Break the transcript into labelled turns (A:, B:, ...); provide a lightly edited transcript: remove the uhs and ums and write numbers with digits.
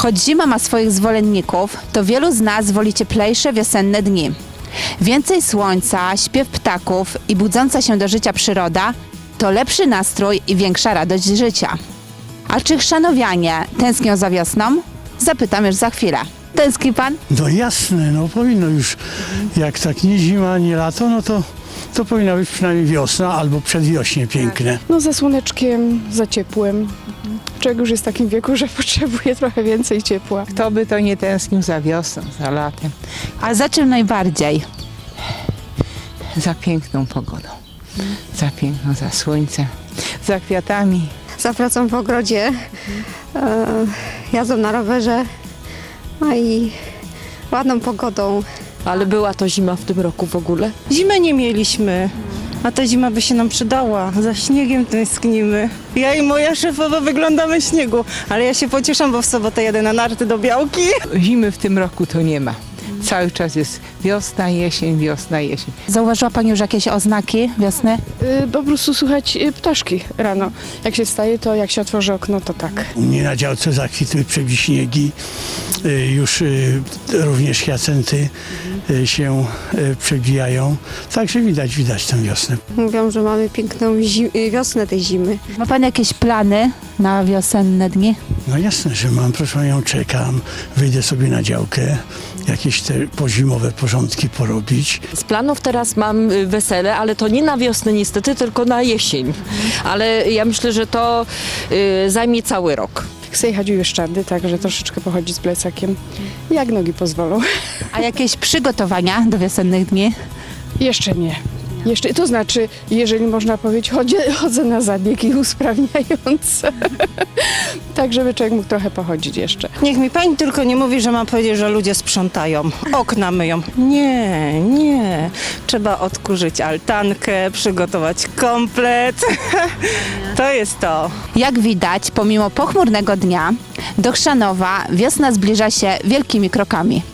A: Choć zima ma swoich zwolenników, to wielu z nas woli cieplejsze wiosenne dni. Więcej słońca, śpiew ptaków i budząca się do życia przyroda to lepszy nastrój i większa radość życia. A czy chrzanowianie tęsknią za wiosną? Zapytam już za chwilę. Tęskni pan?
B: No jasne, no powinno już, jak tak nie zima, nie lato, no to powinna być przynajmniej wiosna albo przedwiośnie piękne.
C: No za słoneczkiem, za ciepłem. Człowiek już jest w takim wieku, że potrzebuje trochę więcej ciepła.
D: Kto by to nie tęsknił za wiosną, za latem,
A: A za czym najbardziej?
D: za piękną pogodą, za słońcem, za kwiatami.
E: Za pracą w ogrodzie, jazdą na rowerze, no i ładną pogodą.
F: Ale była to zima w tym roku w ogóle?
G: Zimy nie mieliśmy, a ta zima by się nam przydała. Za śniegiem tęsknimy. Ja i moja szefowa wyglądamy w śniegu, ale ja się pocieszam, bo w sobotę jadę na narty do Białki.
D: Zimy w tym roku to nie ma. Cały czas jest wiosna, jesień, wiosna, jesień.
A: Zauważyła pani już jakieś oznaki wiosny?
C: Po prostu słuchać ptaszki rano. Jak się wstaje, to jak się otworzy okno, to tak.
B: U mnie na działce zakwitły przewiśniegi, już również hiacenty się przebijają, także widać tę wiosnę.
E: Mówią, że mamy piękną wiosnę tej zimy.
A: Ma pan jakieś plany na wiosenne dni?
B: No jasne, że mam, proszę panią, czekam, wyjdę sobie na działkę, jakieś te pozimowe porządki porobić.
F: Z planów teraz mam wesele, ale to nie na wiosnę niestety, tylko na jesień. Ale ja myślę, że to zajmie cały rok.
C: Chcę jechać u Juszczady, także troszeczkę pochodzić z plecakiem, jak nogi pozwolą.
A: A jakieś przygotowania do wiosennych dni?
C: Jeszcze nie. To znaczy, jeżeli można powiedzieć, chodzę na zabiegi usprawniające. Tak, żeby człowiek mógł trochę pochodzić jeszcze.
G: Niech mi pani tylko nie mówi, że mam powiedzieć, że ludzie sprzątają, okna myją. Nie. Trzeba odkurzyć altankę, przygotować komplet. To jest to.
A: Jak widać, pomimo pochmurnego dnia, do Chrzanowa wiosna zbliża się wielkimi krokami.